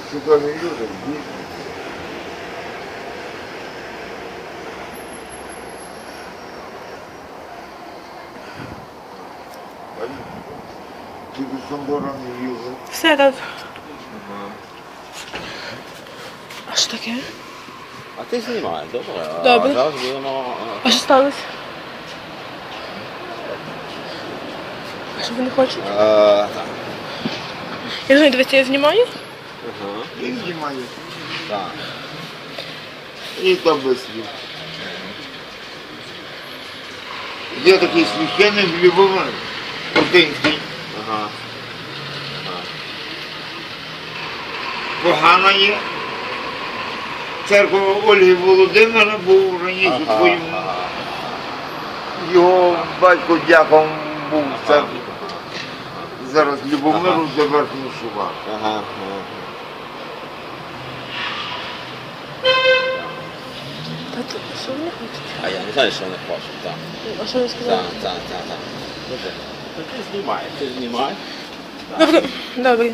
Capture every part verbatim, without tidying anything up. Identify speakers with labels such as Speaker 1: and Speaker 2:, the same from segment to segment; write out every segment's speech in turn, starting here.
Speaker 1: чудові люди, дійсно. Ти до Самбора не їздив?
Speaker 2: Все тут.
Speaker 3: Ага.
Speaker 2: А що таке?
Speaker 3: А ти знімаєш, добре?
Speaker 2: Добре.
Speaker 3: А зараз будемо...
Speaker 2: А що сталося? А що ви не хочете?
Speaker 3: А, так.
Speaker 2: Я знаю, дивіться, я знімаю.
Speaker 3: Ага.
Speaker 1: І знімає.
Speaker 3: Так.
Speaker 1: І там без слів. Є такий священник Любомир Путинський.
Speaker 3: Ага.
Speaker 1: Погана є. Церква Ольги Володимира був раніше
Speaker 3: Ага.
Speaker 1: твоїм.
Speaker 3: Ага.
Speaker 1: Його батько дяком був в церкві. Зараз Любомиру за верхню шува.
Speaker 3: Ага. Ага.
Speaker 2: Та то, що ви не хочете?
Speaker 3: А я не знаю, що вони хочуть, так.
Speaker 2: А що ви сказали?
Speaker 3: Так, так, так, так. Добре. Та ти знімаєш, ти знімаєш.
Speaker 2: Добре, добре.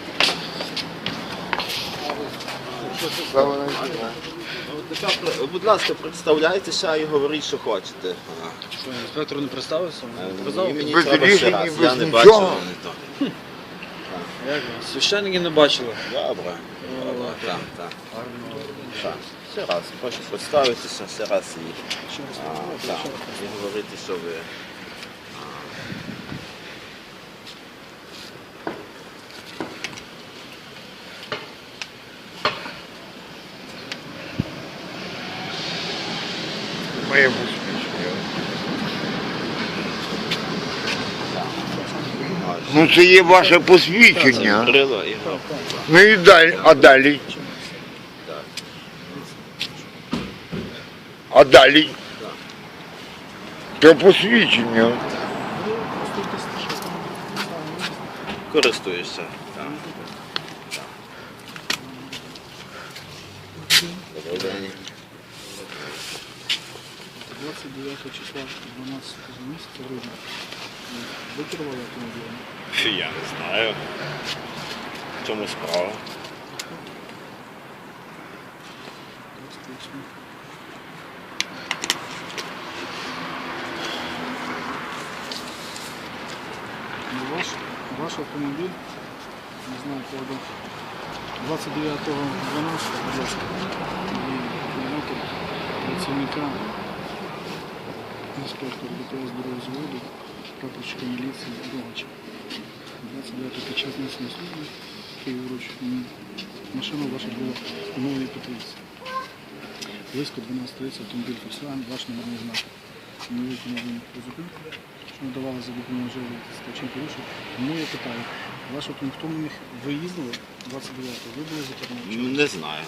Speaker 1: Слава Богу.
Speaker 3: От тепер, будь ласка, представляйтеся і говоріть, що хочете. Ага.
Speaker 4: Що, інспектор не представився?
Speaker 3: Е,
Speaker 4: Казав?
Speaker 3: мені- мені
Speaker 1: Без
Speaker 3: треба ще
Speaker 1: рішень,
Speaker 3: раз,
Speaker 1: без
Speaker 3: я не
Speaker 1: нічого.
Speaker 3: бачив, не то.
Speaker 4: Як ви? Священники не бачили.
Speaker 3: Добре. Добре, так, так. Так. Ще раз, хочу представитися, ще раз і, а, так, і говорити, що ви.
Speaker 1: Моє посвідчення. Ну це є ваше посвідчення.
Speaker 3: Крило і
Speaker 1: Ну і далі, а далі? А далі? Це посвідчення.
Speaker 3: користуєшся. Так. Добрий день.
Speaker 4: двадцять дев'ятого числа дванадцятого місяця грудня. Ви керували автомобілем?
Speaker 3: Я не знаю. В чому справа?
Speaker 4: Ну, Ваш, ваш автомобіль, не знаю, коли двадцять дев'ятого дванадцятого, будь ласка, і номер працівника інспектора ДПС бюро зводу, прапорщика міліції Рогача. двадцять дев'ятого під час несення служби Київруч машина ваша була у новій Петрівці. Близько дванадцять тридцять автомобіль Volkswagen, ваш номерний знак. Не виконали по зупинку, що надавали за допомогою живої стачин порушень. Тому я питаю, ваш автомобіль, хто на них ви їздили двадцять дев'ятого, ви були за кермом? чи ні?
Speaker 3: Не знаю.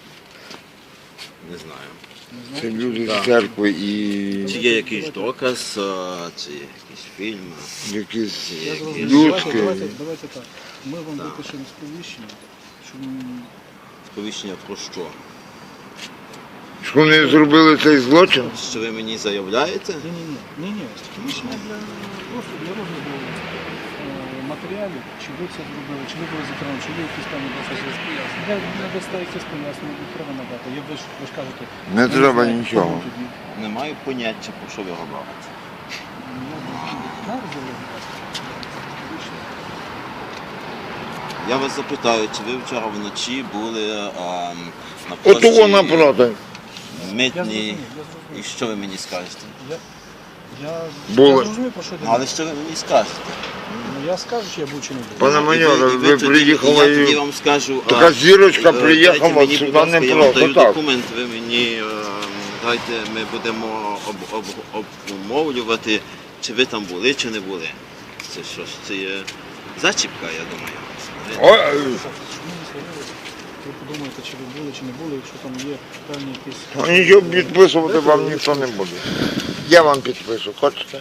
Speaker 3: Не знаю.
Speaker 4: Не
Speaker 1: Це
Speaker 4: знаєте?
Speaker 1: люди
Speaker 3: Так.
Speaker 1: з церкви і
Speaker 3: Чи є якийсь доказ, а, чи якийсь фільм?
Speaker 1: якісь
Speaker 4: Я зрозумів.
Speaker 1: людські.
Speaker 4: Давайте, давайте, давайте так. Ми вам
Speaker 3: Так.
Speaker 4: випишемо сповіщення, щоб ми-
Speaker 3: Сповіщення про що?
Speaker 1: Що вони зробили цей злочин?
Speaker 3: Що ви мені заявляєте?
Speaker 4: Ні, ні, ні, ні, ні. Сповіщення для просто для розгляду е, матеріалів, чи ви це зробили, чи ви були за кермом, чи ви якісь там для, для дасте якісь пояснення, не треба надати. Я ви ж ви ж кажете,
Speaker 1: Не
Speaker 4: ви
Speaker 1: треба
Speaker 4: знаєте,
Speaker 1: нічого.
Speaker 4: кому тоді.
Speaker 3: Не маю поняття, про що ви говорите.
Speaker 4: Ну, на розділі, будь ласка. Сповіщення.
Speaker 3: Я вас запитаю, чи ви вчора вночі були а, на
Speaker 1: От того
Speaker 3: площі
Speaker 1: напроти.
Speaker 4: Я
Speaker 3: Митній,
Speaker 4: зрозумів, я
Speaker 3: і
Speaker 4: зрозумів.
Speaker 3: що ви мені скажете?
Speaker 4: Я, я,
Speaker 1: Були.
Speaker 4: я зрозумів, про що йде.
Speaker 3: Ну, але що ви мені скажете?
Speaker 4: Ну, я скажу, чи я був чи не був.
Speaker 1: Пане
Speaker 3: І ви-
Speaker 1: майоре,
Speaker 3: і
Speaker 1: ви
Speaker 3: тоді-
Speaker 1: приїхали
Speaker 3: Я тоді
Speaker 1: і
Speaker 3: вам скажу.
Speaker 1: така
Speaker 3: а,
Speaker 1: зірочка
Speaker 3: е,
Speaker 1: приїхала
Speaker 3: дайте мені,
Speaker 1: сюди
Speaker 3: будь ласка,
Speaker 1: не
Speaker 3: я вам даю
Speaker 1: просто так.
Speaker 3: документ, ви мені е, дайте, ми будемо об, об, обмовлювати, чи ви там були, чи не були. Це що ж, це є зачіпка, я думаю.
Speaker 1: Ой,
Speaker 4: Ви подумаєте, чи ви були, чи не були, якщо там є певні якісь...
Speaker 1: а нічого підписувати вам ніхто не буде. Я вам підпишу, хочете?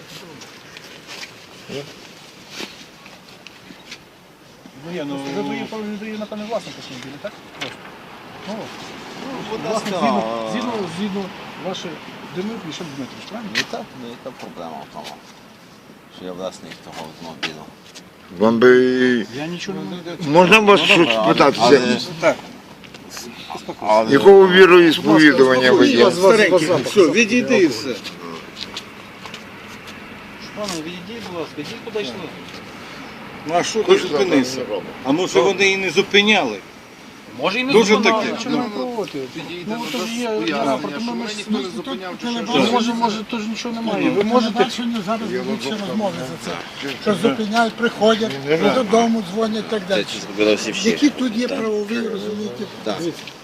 Speaker 4: Ну, є, ну... Ви дає, ви дає, напевне, власник автомобіля, так? Просто. Ну,
Speaker 3: будь
Speaker 4: власник,
Speaker 3: ласка,
Speaker 4: згідно,
Speaker 3: а-
Speaker 4: згідно, згідно ваші Демир Мішель Дмитрович, правильно?
Speaker 3: Не так, не яка проблема в тому, що я власник того автомобіля.
Speaker 1: Вам би...
Speaker 4: Я нічого не
Speaker 1: Можна вас щось питатися?
Speaker 4: Так.
Speaker 1: Якого віроісповідування ви є?
Speaker 4: Старенький,
Speaker 5: Все, відійди і все.
Speaker 4: Пане, відійдіть, будь ласка, йдіть куди йшли.
Speaker 5: Ну а що ти зупинився? А може вони і не зупиняли?
Speaker 4: Може і не
Speaker 5: Дуже
Speaker 4: зупинали,
Speaker 5: таке.
Speaker 4: нічого не проти. Ну, то ж є рапорт, ми ми ж ми може, може, то ж нічого немає. Ви можете...
Speaker 6: Бачення зараз більше розмови за це. Що зупиняють, приходять, додому дзвонять і так далі.
Speaker 3: Це зробили всі всі.
Speaker 6: Які тут є правові, розумієте?
Speaker 3: Так.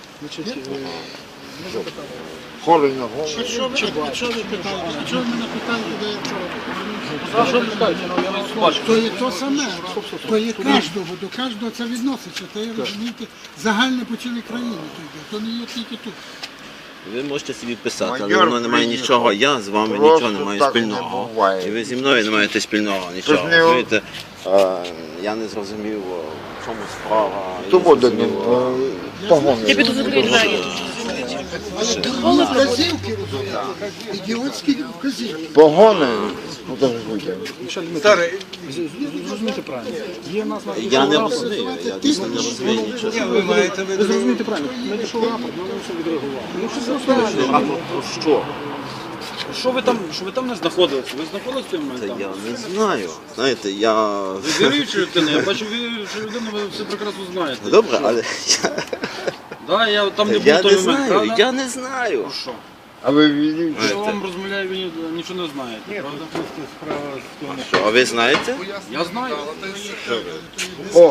Speaker 1: Хорий на голову.
Speaker 6: А що ви, а що ви питаєте? А чого ви мене питаєте, де я вчора?
Speaker 4: Що ви питаєте? Ну, я вас бачу.
Speaker 6: То є то саме, то є кожного, до кожного це відноситься. То є, розумієте, загальне по цілій країні. то йде. То не є тільки тут.
Speaker 3: Ви можете собі писати, але
Speaker 1: Майор
Speaker 3: воно не має
Speaker 1: приїхав.
Speaker 3: нічого. Я з вами
Speaker 1: Просто
Speaker 3: нічого не маю
Speaker 1: так не
Speaker 3: спільного.
Speaker 1: буває.
Speaker 3: І ви зі мною не маєте спільного нічого.
Speaker 1: Тож не-
Speaker 3: Розумієте? Е, Я не зрозумів, о, в чому справа. і
Speaker 1: То
Speaker 3: не
Speaker 1: буде,
Speaker 3: зрозумів,
Speaker 1: ну,
Speaker 3: о,
Speaker 1: е, того
Speaker 2: Я піду закрию двері.
Speaker 6: Але вказівки, розумієте, ідіотські вказівки.
Speaker 1: Погони. Ну, то ж витяг.
Speaker 5: Старий,
Speaker 4: Зрозумійте правильно. Є в нас на
Speaker 3: Я не розумію, я дійсно не розумію нічого.
Speaker 5: ви маєте
Speaker 4: Ви зрозумієте правильно. Надійшов рапорт, ми все відреагували. Ну що це
Speaker 7: А про, про що? Що ви там, що ви там не знаходилися? Ви знаходилися в той момент
Speaker 3: Та
Speaker 7: там?
Speaker 3: я не знаю. Знаєте, я.
Speaker 7: Ви віруюча людина, я бачу віруюча людина, ви все прекрасно знаєте.
Speaker 3: Добре, але я,
Speaker 7: Да, я там не був
Speaker 3: я
Speaker 7: в той
Speaker 3: не
Speaker 7: момент,
Speaker 3: знаю,
Speaker 7: правда?
Speaker 3: я не знаю.
Speaker 7: Ну що?
Speaker 1: А ви вірите?
Speaker 7: Що вам розмовляю, ви ні- нічого не знаєте, правда?
Speaker 3: Що, а ви знаєте?
Speaker 7: Я знаю.
Speaker 1: О!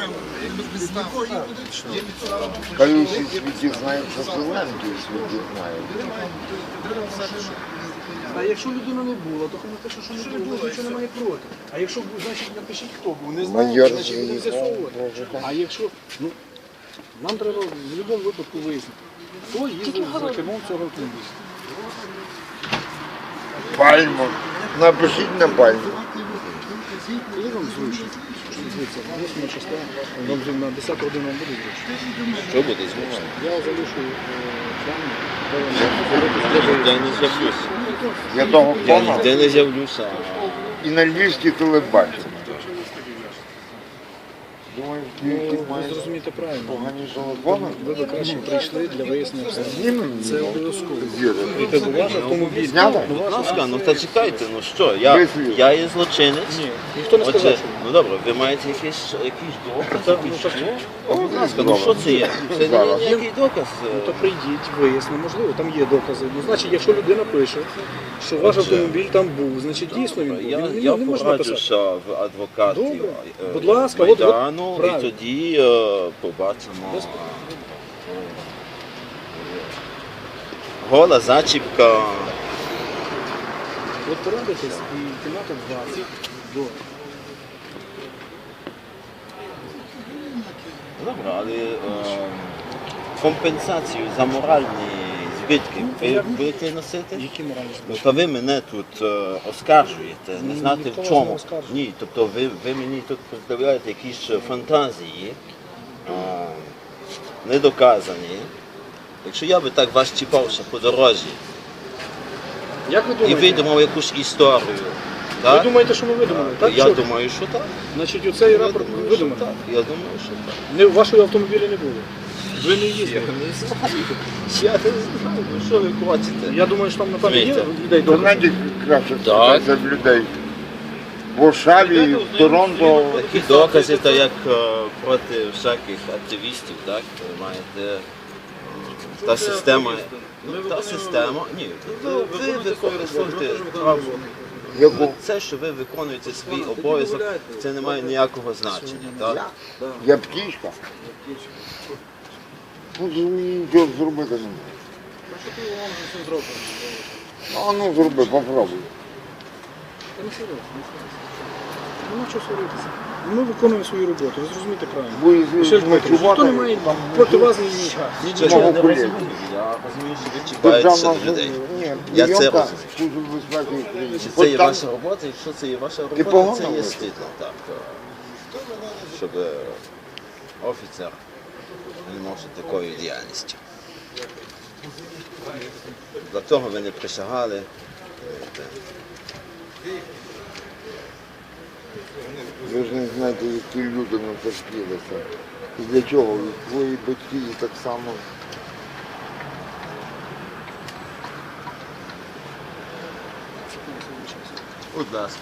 Speaker 1: Хай усі світі знають, що Зеленський світі знає.
Speaker 4: А якщо людина не була, то хай пише, що не було, нічого немає проти. А якщо був, значить напишіть, хто був. Не
Speaker 1: Майор
Speaker 4: знаю, значить будемо
Speaker 1: приїхав,
Speaker 4: з'ясовувати.
Speaker 1: проживав.
Speaker 4: А якщо, ну, нам треба в будь-якому випадку вияснити, хто їздив за кермом цього автомобіля.
Speaker 1: Пальму. Напишіть на пальму.
Speaker 4: Коли вам зручно? Дивіться, восьма частина, вам вже на десяту годину вам буде зручно.
Speaker 3: Що буде змушено?
Speaker 4: Я залишу плани, де вам
Speaker 3: Я не з'явлюся.
Speaker 1: Я того
Speaker 3: Я
Speaker 1: понял.
Speaker 3: ніде не з'явлюся.
Speaker 1: І на львівській телебаченні. Думаю, ти
Speaker 4: ви
Speaker 1: маєш
Speaker 4: зрозумієте правильно.
Speaker 1: погані телефони?
Speaker 4: Ви б краще прийшли для вияснення обставин.
Speaker 1: Знімемо
Speaker 4: Це обов'язково.
Speaker 1: зіри.
Speaker 4: І це ваш автомобіль.
Speaker 1: Зняли?
Speaker 3: Будь ласка, ну та чекайте, ну що, я,
Speaker 1: Вислів.
Speaker 3: я є злочинець.
Speaker 4: Ні, ніхто не сказав,
Speaker 3: Отже,
Speaker 4: що.
Speaker 3: ну добре, ви маєте якийсь, якийсь доказ,
Speaker 4: Так,
Speaker 3: якийсь
Speaker 4: ну, так,
Speaker 3: що? Будь ласка, ну що це є? Це не є ніякий доказ.
Speaker 4: Ну то прийдіть, вияснимо, можливо, там є докази. Ну, значить, якщо людина пише, що ваш автомобіль там був, значить дійсно він був.
Speaker 3: Я,
Speaker 4: Він-
Speaker 3: я
Speaker 4: не можна писати.
Speaker 3: пораджуся в адвокатів
Speaker 4: Добре.
Speaker 3: е,
Speaker 4: Будь ласка, от- от
Speaker 3: Майдану, і
Speaker 4: правильно.
Speaker 3: тоді е, побачимо.
Speaker 4: Без-
Speaker 3: е, Гола зачіпка.
Speaker 4: От порадитесь і кімната двадцять до.
Speaker 3: Добре, але е, компенсацію за моральні збитки ви будете носити?
Speaker 4: Які моральні
Speaker 3: Ну,
Speaker 4: збитки?
Speaker 3: то ви мене тут е, оскаржуєте, не
Speaker 4: Ні,
Speaker 3: знати
Speaker 4: нікого
Speaker 3: в чому.
Speaker 4: не оскаржую.
Speaker 3: Ні, тобто ви, ви мені тут представляєте якісь е, фантазії, е, недоказані. Якщо я би так вас чіпав ще по дорозі
Speaker 4: Як ви
Speaker 3: і
Speaker 4: думаєте?
Speaker 3: видумав якусь історію,
Speaker 4: Ви
Speaker 3: так?
Speaker 4: думаєте, що ми видумали? Так,
Speaker 3: я
Speaker 4: що?
Speaker 3: думаю, що так.
Speaker 4: Значить, оцей
Speaker 3: Я
Speaker 4: рапорт
Speaker 3: думаю, що
Speaker 4: видуманий.
Speaker 3: так. Я думаю, що так.
Speaker 4: Не, вашої автомобілі не було. Ви не їздили.
Speaker 3: Не знаю. Я не знаю, ну що ви хочете?
Speaker 4: Я думаю, що там напевно є
Speaker 3: Розумієте?
Speaker 4: людей
Speaker 1: То
Speaker 4: добре.
Speaker 1: знаєте, краще
Speaker 3: Так.
Speaker 1: спитатися в людей. В Варшаві, в Торонто.
Speaker 3: Такі докази, то як е, проти всяких активістів, так? Ви маєте е, та система. Ну, та система. Ні, ви, ви використовуєте право.
Speaker 1: Яку?
Speaker 3: Це, що ви виконуєте свій обов'язок, це не має ніякого значення. Так?
Speaker 1: Я птічка. Ну, нічого зробити не можу. А ну зроби, попробуй.
Speaker 4: Та не серйозно. Нема чого сваритися. Ми виконуємо свою роботу, ви зрозумієте правильно.
Speaker 1: Бо
Speaker 4: Ще ж Дмитро, ніхто не має проти вас ні-
Speaker 3: Це
Speaker 4: нічого.
Speaker 3: я не
Speaker 1: колеги.
Speaker 3: розумію. Я розумію, що ви чіпаєтеся до людей.
Speaker 1: Ні,
Speaker 3: Я це
Speaker 1: прийомка
Speaker 3: розумію.
Speaker 1: Служби безпеки України.
Speaker 3: Чи
Speaker 1: От
Speaker 3: це є
Speaker 1: там
Speaker 3: ваша робота? Якщо це є ваша
Speaker 1: Ти
Speaker 3: робота,
Speaker 1: погано
Speaker 3: це є
Speaker 1: говориш.
Speaker 3: стидно. Так. Щоб е, офіцер займався такою діяльністю. Для того ви не присягали. Е,
Speaker 1: Ви ж не знаєте, які люди натерпілися. І для чого? І твої батьки і так само.
Speaker 3: Будь ласка.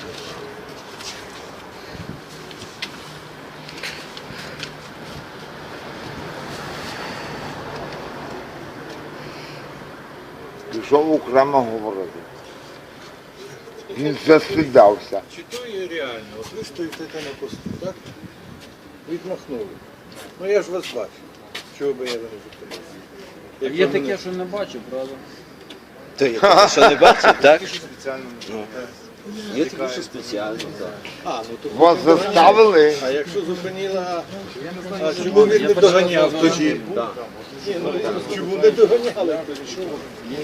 Speaker 1: Пішов окремо говорити. Він застидався.
Speaker 5: Чи то є реально? От ви стоїте там на посту, так? Відмахнули. Ну я ж вас бачу. Чого би я не зупинився?
Speaker 7: Є таке, що не бачу, правда?
Speaker 3: То я таке, що не бачив, так? Ну. Є таке, що спеціально, так.
Speaker 5: А, ну то
Speaker 1: Вас заставили.
Speaker 5: А якщо зупинила, а чому він не доганяв тоді? Ні, ну чому не доганяли тоді? Що ви?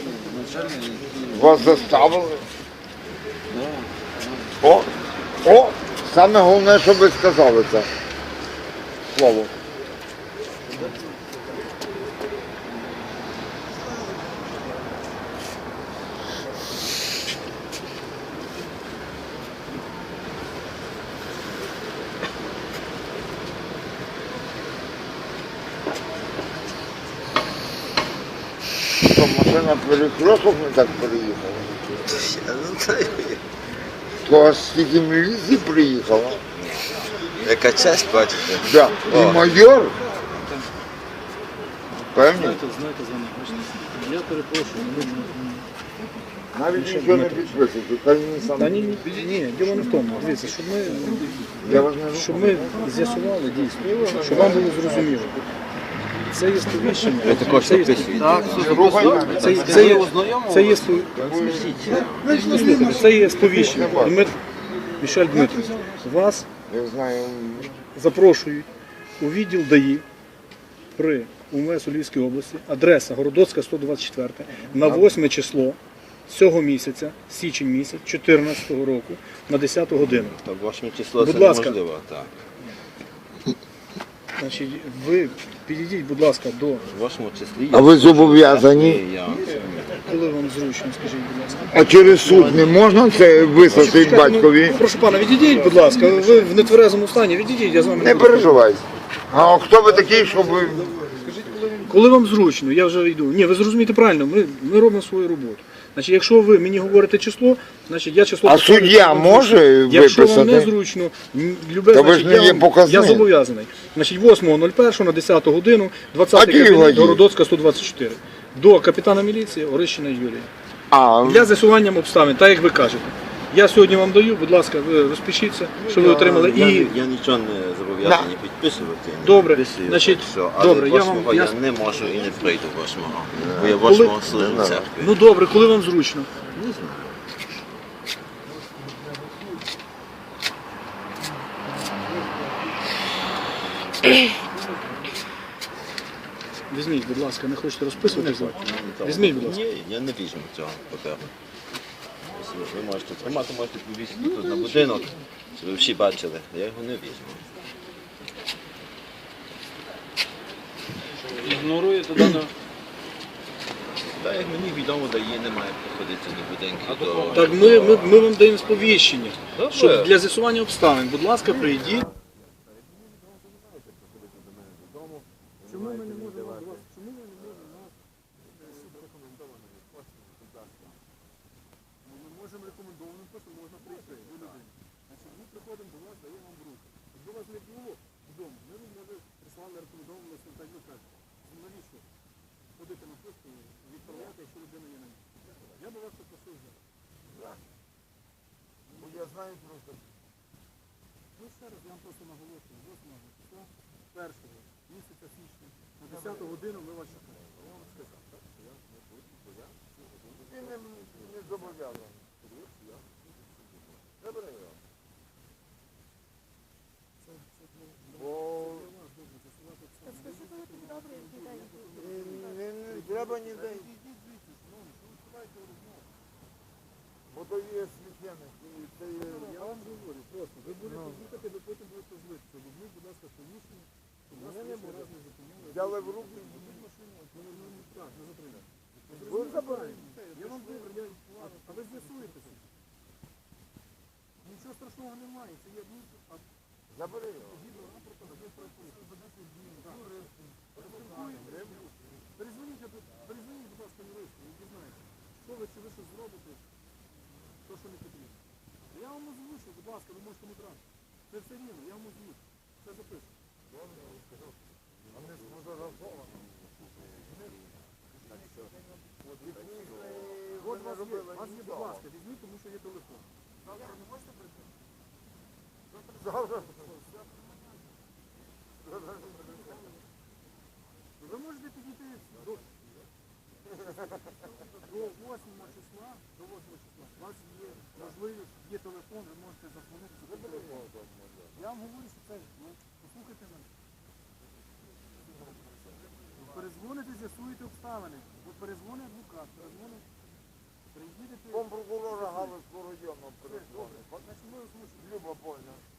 Speaker 1: Вас заставили. О, о, саме головне, що ви сказали це. Слово. Що, машина перекресток не так переїхала?
Speaker 3: Я не знаю.
Speaker 1: То аж стільки міліції приїхала.
Speaker 3: Яка честь, бачите?
Speaker 1: Да. І
Speaker 3: О.
Speaker 1: майор. Певні?
Speaker 4: Знаєте, знаєте, за мене, бачите, я перепрошую, ну,
Speaker 1: Навіть нічого не підписуйте. Хай він сам.
Speaker 4: та ні, ні, ні, діло не в тому. Дивіться, щоб ми,
Speaker 1: Я вас не
Speaker 4: щоб ми з'ясували дійсно, щоб вам було зрозуміло. Це є сповіщення. Ви також це є, так, це, є- це, є, це, є, спов- Послухайте, це є сповіщення. Дмит, Мішель Дмитрович, вас
Speaker 1: Я знаю.
Speaker 4: запрошують у відділ ДАІ при УМВС у Львівській області, адреса Городоцька, сто двадцять чотири, на восьме число цього місяця, січень місяць, чотирнадцятого року, на десяту годину.
Speaker 3: Так, восьме число
Speaker 4: Будь
Speaker 3: це
Speaker 4: ласка.
Speaker 3: неможливо, так.
Speaker 4: Значить, ви підійдіть, будь ласка, до,
Speaker 3: Восьмому числі.
Speaker 1: А ви зобов'язані?
Speaker 3: Я...
Speaker 4: коли вам зручно, скажіть, будь ласка.
Speaker 1: А через суд не можна це вислати батькові?
Speaker 4: Ну, прошу пана, відійдіть, будь ласка, ви в нетверезому стані, відійдіть, я з вами
Speaker 1: Не
Speaker 4: буду.
Speaker 1: переживайте. А хто ви такий, щоб ви...
Speaker 4: Коли вам зручно, я вже йду. Ні, ви зрозумієте правильно, ми, ми робимо свою роботу. Значить, якщо ви мені говорите число, значить я число...
Speaker 1: А
Speaker 4: поставлю,
Speaker 1: суддя
Speaker 4: що вам
Speaker 1: може
Speaker 4: зручно. Якщо вам не
Speaker 1: виписати?
Speaker 4: зручно, м, любе,
Speaker 1: Та ви ж
Speaker 4: значить,
Speaker 1: не
Speaker 4: я,
Speaker 1: є
Speaker 4: вам-
Speaker 1: показник.
Speaker 4: я зобов'язаний. Значить, восьмого нуль першого на десяту годину, двадцятий
Speaker 1: А Києва
Speaker 4: кабінет,
Speaker 1: є?
Speaker 4: Городоцька, сто двадцять чотири. До капітана міліції Орищина Юрія.
Speaker 1: А,
Speaker 4: Для з'ясування обставин, так як ви кажете. Я сьогодні вам даю, будь ласка, ви розпишіться, що ви отримали.
Speaker 3: Я,
Speaker 4: І
Speaker 3: я нічого не зобов'язаний підписувати. Не
Speaker 4: Добре,
Speaker 3: підписую,
Speaker 4: значить,
Speaker 3: так що, але
Speaker 4: добре, я вам-
Speaker 3: восьмого
Speaker 4: я-
Speaker 3: я не можу і не прийду восьмого. Бо я
Speaker 4: Коли-
Speaker 3: восьмого служу в церкві.
Speaker 4: ну добре, коли вам зручно.
Speaker 3: Не знаю.
Speaker 4: Візьміть, будь ласка, не хочете розписуватися? Візьміть, будь ласка.
Speaker 3: Ні, я не візьму цього паперу. Ви можете тримати, можете повісити тут на будинок, щоб ви всі бачили. Я його не візьму.
Speaker 7: Ігноруєте дане.
Speaker 3: Так, як мені відомо, дає, немає приходити до будинків. До...
Speaker 4: Так ми, ми, ми вам даємо сповіщення,
Speaker 3: Добре.
Speaker 4: щоб для з'ясування обставин. Будь ласка, прийдіть. Чому ми не можемо до вас? Чому ви не можете нас ми можемо рекомендованим способом можна прийти до людини. Значить, ми приходимо до вас, даємо вам руку. Якби вас не було вдома, ми б, може, прислали рекомендованим листом, так ви кажете. Навіщо ходити на пошту і відправляти, якщо людина є на місці? Я би вас попросив зараз.
Speaker 1: я знаю просто.
Speaker 4: Ну ще раз я вам просто наголошую, восьмого числа, першого місяця січня, на десяту годину ми вас чекаємо. Я вам сказав, так? Я не буду, бо я
Speaker 1: Ти не, не зобов'язаний. Добре. Бо... Не, не треба ніде. Бо то є священник. і це є-
Speaker 4: Я вам говорю просто, ви будете їхати, ви потім будете злитися. Візьміть, будь ласка, сповіщення, щоб вас
Speaker 1: Мене не
Speaker 4: лишній
Speaker 1: буде.
Speaker 4: раз не зупиняли.
Speaker 1: Взяли в руки.
Speaker 4: Візьміть машину, ну, ну, ну, так, не затримайте.
Speaker 1: Ви забираєте.
Speaker 4: Я вам говорю, я- а- а ви з'ясуєтеся. Нічого страшного немає, це є ну, а
Speaker 1: Забери його.
Speaker 4: згідно рапорту адмінправопорушення за десять днів. Розпілкуєте. Перезвоніть, перезвоніть, будь ласка, юристу, і дізнайтеся, що ви, чи ви щось зробите, то, що не потрібно. Я вам озвучу, будь ласка, ви можете не брати. Це все рівно, я вам озвучу. Це запишу.
Speaker 1: Вони ж фотографовані. От і приїхали,
Speaker 4: От
Speaker 1: вони
Speaker 4: вас є,
Speaker 1: робили
Speaker 4: вас є, будь
Speaker 1: нічого.
Speaker 4: ласка, візьміть, тому що є телефон. Завтра не можете прийти?
Speaker 1: Завтра.
Speaker 4: Ви можете підійти до, до восьмого числа, до восьмого числа. У вас є можливість, є телефон, ви можете зазвонити. Я вам говорю, що це, ну, послухайте мене. Перезвоните, з'ясуєте обставини. От перезвонить адвокат, перезвонить, приїдете.
Speaker 1: Компрокурора Галицького району перезвонив.
Speaker 4: Значить, ми озвучимо.
Speaker 1: Люба Больна.